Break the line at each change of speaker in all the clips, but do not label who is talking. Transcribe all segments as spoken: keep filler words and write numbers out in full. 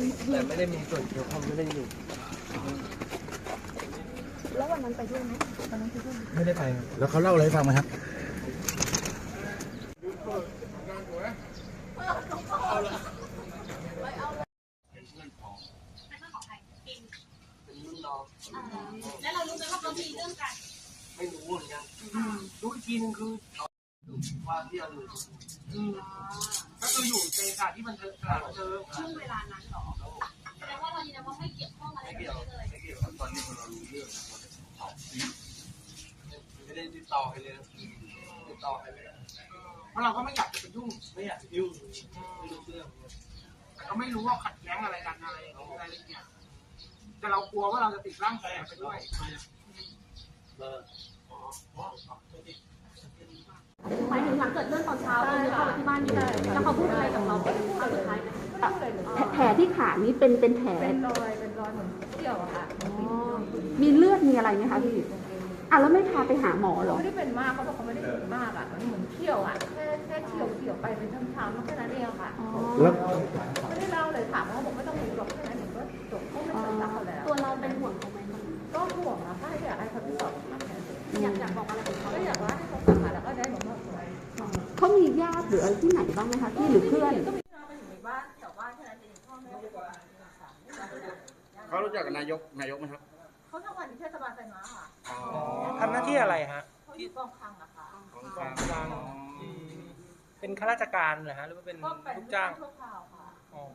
แต่ไม่ได้มีส่วนเกี่ยวข้องไม่ได้อยู่
แล้ววันนั้นไปด้วยไหมวันนั้นไปด้วย
ไม่ได้ไป
แล้วเขาเล่าอะไรให้ฟังไหมครับ
แล้วเรารู้ไหมว่าเขามีเรื่องกัน
ไม่รู้เหมือนกันรู้อีกทีนึงคือว่าเที่ยวอยู่ก็คืออยู่ในสถานที่มันเจอสถานเจอ
ช่วงเวลานั้นหรอแสดงว่าเรายืนยันว่าไม่เกี่ยวข้องอะไรกันเลย
ไม่เกี่ยวตอนนี้เรารู้เรื่องไม่ได้ติดต่อใครเลยติดต่อใครไม่ได้เพราะเราก็ไม่อยากไปยุ่งไม่อยากยุ่งไม่รู้เรื่องแต่ก็ไม่รู้ว่าขัดแย้งอะไรกันอะไรอะไรอย่างเงี้ยแต่เรากลัวว่าเราจะติดร่างแฝงไปด้วย
หมายถึงหลังเกิดเรื่องตอนเช้าเราเข้าไปที่บ้านอยู่แล้วเขาพูดอะไรกับเราเป็นครั้งสุดท้ายไหม
แผลที่ขานี้เป็นเป็นแผล
เป็นรอยเป็นรอยเหมือนเที่ยวอะค่ะ
มีเลือดมีอะไรไหมคะพี่อ่ะแล้วไม่พาไปหาหมอหรอ
ไม่ได้เป็นมากเขาบอกเขาไม่ได้เป็นมากอ่ะมันเหมือนเที่ยวอ่ะแค่แค่เที่ยวเที่ยวไปเป็นช้ำๆแค่นั้นเองค่ะ
แล้ว
ไม่ได้เล่าเลยถามเขาบอกไม่ต้องรู้หรอกแค่นั้นเองก็จบเขาไม่สนใจเขาแล้ว
ตัวเราเป็นห่วงเขาไหม
ก็ห่วงนะถ้าอยากให้เขาพิสูจน์มาแค่
อยากอยากบอกอะไรกับเขา
ก็อยากว่าให้เขากลับมาแล้วก็ได้หมดหมดเลย
เขามีญาติหรืออะไรที่ไหนบ้างไหมคะที่หรือเพื่อน
ก็มีเราไปอยู่ในบ้านแถวบ้านแค่นั้นเองพ่อแม่
เขารู้จักกับนายกนายกไหมครับ
เขาทำงานที่เทศบาลไซม้าค่ะ
ทำหน้าที่อะไรฮะ
เขาอยู่กองคลังอะค่ะ
กองคลังเป็นข้าราชการเหรอฮะหรือว่าเป็นลูกจ้าง
ชั่วคราวค่ะ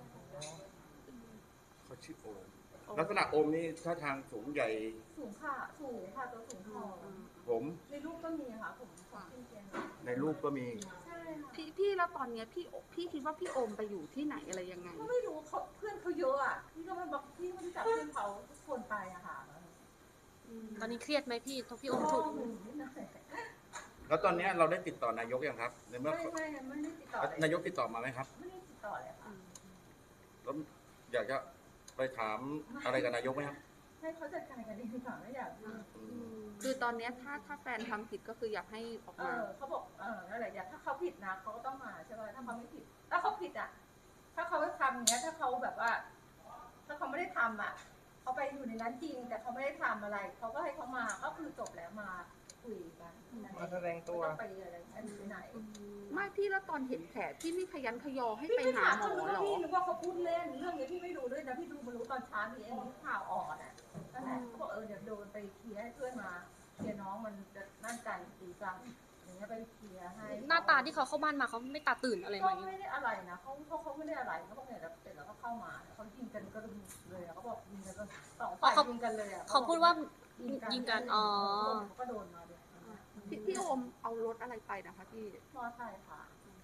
เขาชื่อโอมลักษณะโอมนี่ท่าทางสูงใหญ่
สูงค่ะสูงค่ะตัวสูงทอง
ผม
ในรูปก็มีค่ะผม
ในรูปก็มี
พี่พี่แล้วตอนนี้พี่พี่คิดว่าพี่โอมไปอยู่ที่ไหนอะไรยังไง
ไม่รู้เขาเพื่อนเขาเยอะอ่ะพี่ก็ไม่บอกพี่ไม่รู้จักเพื่อนเขาทุกคนไปอะค่ะ
ตอนนี้เครียดไหมพี่ทพี่โอมถูก
แล้วตอนนี้เราได้ติดต่อนายกยังครับในเมื่อ
ไม่ไม่ไม่ได้ติดต่อน
ายกติดต่อมาไหมครับ
ไม่ได้ติดต่อเลยค่ะ
แล้วอยากจะไปถามอะไรกับนายกไหมครับ
ให้เขาจัดการกันเองดีกว่าไม่อยาก
คือตอนนี้ถ้าถ้าแฟนทำผิดก็คืออยากให้ออกมา
เขาบอกเออนั่นแหละอยากถ้าเขาผิดนะเขาก็ต้องมาใช่ไหมถ้าเขาไม่ผิดถ้าเขาผิดอ่ะถ้าเขาไม่ทำอย่างเงี้ยถ้าเขาแบบว่าถ้าเขาไม่ได้ทำอ่ะเขาไปอยู่ในนั้นจริงแต่เขาไม่ได้ทำอะไรเขาก็ให้เขามาก็คือจบแล้วมาคุยกัน
มาแสดงตัว
ไปอะไรไปไหน
ไม่พี่แล้วตอนเห็นแผลพี่ไม่ขยันขยอให้ไปหาหมอหรอ
พี่นึกว่าเขาพูดเล่นเรื่องนี้พี่ไม่รู้ด้วยนะพี่ดูมารู้ตอนเช้านี้เองข่าวออกอ่ะนั่นแหละเขาบอกเออเดี๋ยวโดนไปเคลียร์ให้เพื่อนมาเคลียร์น้องมันจะนั่นกันตีกันอย่างเงี้ยไปเคลียร์ให้
หน้าตาที่เขาเข้าบ้านมาเขาไม่ตาตื่นอะไรไหม
ก็ไม่ได้อะไรนะเขาเขาเขาไม่ได้อะไรเขาบอกเนี่ยเสร็จแล้วก็เข้ามาเขายิงกันก็เลยเขาบอกยิงกันก็สองฝ่ายยิงกันเลยอ่ะ
เขาพูดว่ายิงกันอ๋อ
ก็โดนมาเลย
พี่พี่โอมเอารถอะไรไปนะคะพี่
มอไซค์ค่ะ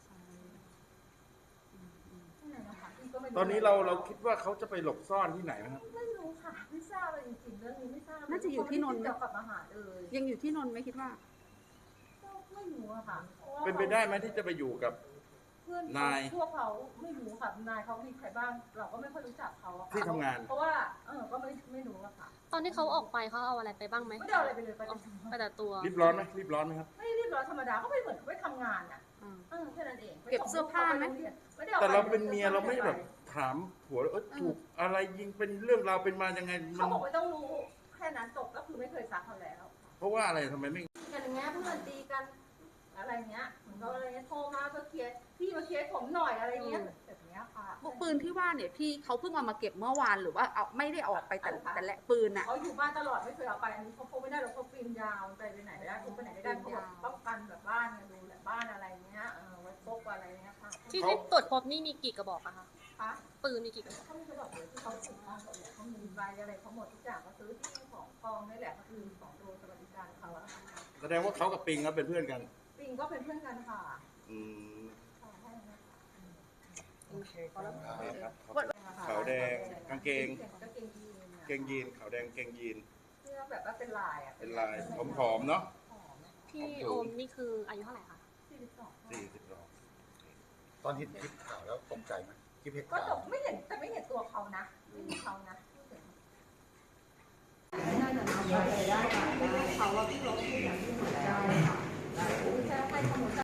ตอนนี้เราเราคิดว่าเขาจะไปหลบซ่อนที่ไหนนะครับ
ไม่รู้ค่ะไม่ทราบเลยจริงๆเรื่องนี้ไม่ทราบ
น่าจะอยู่ที่นนท์
เกี่ยวกับอาหารเลย
ยังอยู่ที่นนท์ไหมคิดว่า
ไม่รู้อะค่ะ
เป็นไปได้ไหมที่จะไปอยู่กับ
เพื่อนนายพวกเขาไม่รู้ค่ะนายเขามีใครบ้างเราก็ไม่ค่อยรู้จักเขา
ที่ทำงาน
เพราะว่าเออก็ไม่ไม่รู้อะค่ะ
ตอนที่เขาออกไปเขาเอาอะไรไปบ้างไหม
ไม่ได้อะไรไปเลยไป
แต่ตัว
รีบร้อนไหมรีบร้อนไหมครับ
ไม่รีบร้อนธรรมดาก็ไม่เหมือนเขาไปทำงานอะเออแค่นั้นเอง
เก็บเสื้อผ้าไหม
แต่เราเป็นเมียเราไม่แบบถามผัวเออถูกอะไรยิงเป็นเรื่องราวเป็นมายังไง
เขาบอกไม่ต้องรู้แค่นั้นจบก็คือไม่เคยซักเขาแล้ว
เพราะว่าอะไรทำไมไม่
กันอย่างเงี้ยเพื่อนตีกันอะไรเงี้ยเหมือนเขาอะไรเงี้ยโทรมาเพื่อเคลียร์พี่มาเคลียร์ผมหน่อยอะไรเงี้ยแบบเนี้ยค่ะ
ปืนที่ว่าเนี่ยพี่เขาเพิ่งเอามาเก็บเมื่อวานหรือว่าเอาไม่ได้ออกไปแต่แต่ละปืนอ่ะ
เขาอยู่บ้านตลอดไม่เคยเอาไปอันนี้เขาพกไม่ได้หรอกเขาปีนยาวไปไปไหนไม่ได้พกไปไหนไม่ได้เขาป้องกันแบบบ้านเนี่ยดูแลบ้านอะไรเงี้ยเออไว้พกอะไรเงี้ยค่ะ
ที่ที่ตรวจพบนี่มีกี่กระบอกอะคะ
คะ
ปืนมีกี่กระบอก
เขาไม่กระบอกเลยที่เขาถือมาเขาเนี่ยเขามีใบอะไรเขาหมดทุกอย่างเขาซื้อที่ของกองนี่แหละก็คือของโดสวัสดิการเขาอะ
แสดงว่าเขากับปิงก็เป็นเพื่อนกัน
ปิงก็เป็นเพื่อนกันค่ะ
อืม
โอเคครับ
ขาวแดงกางเกงเกงยีนขาวแดงเกงยีน
ที่แบบว่าเป็นลายอ่ะ
เป็นลายผอมๆเนาะ
พี่โอมนี่คืออายุเท่าไหร่คะ
สี่สิบสอง
สี่สิบสอง
ตอนเห็นคลิปข่าวแล้วตกใจไหมคลิปเหตุ
ก็
การณ์
ตกไม่เห็นแต่ไม่เห็นตัวเขานะไม่เห็นเขานะได้แต่เราไปได้ค่ะเขาว่าพี่เราก็พูดอย่างที่เหมือนได้ค่ะใช่ให้ข้อมูล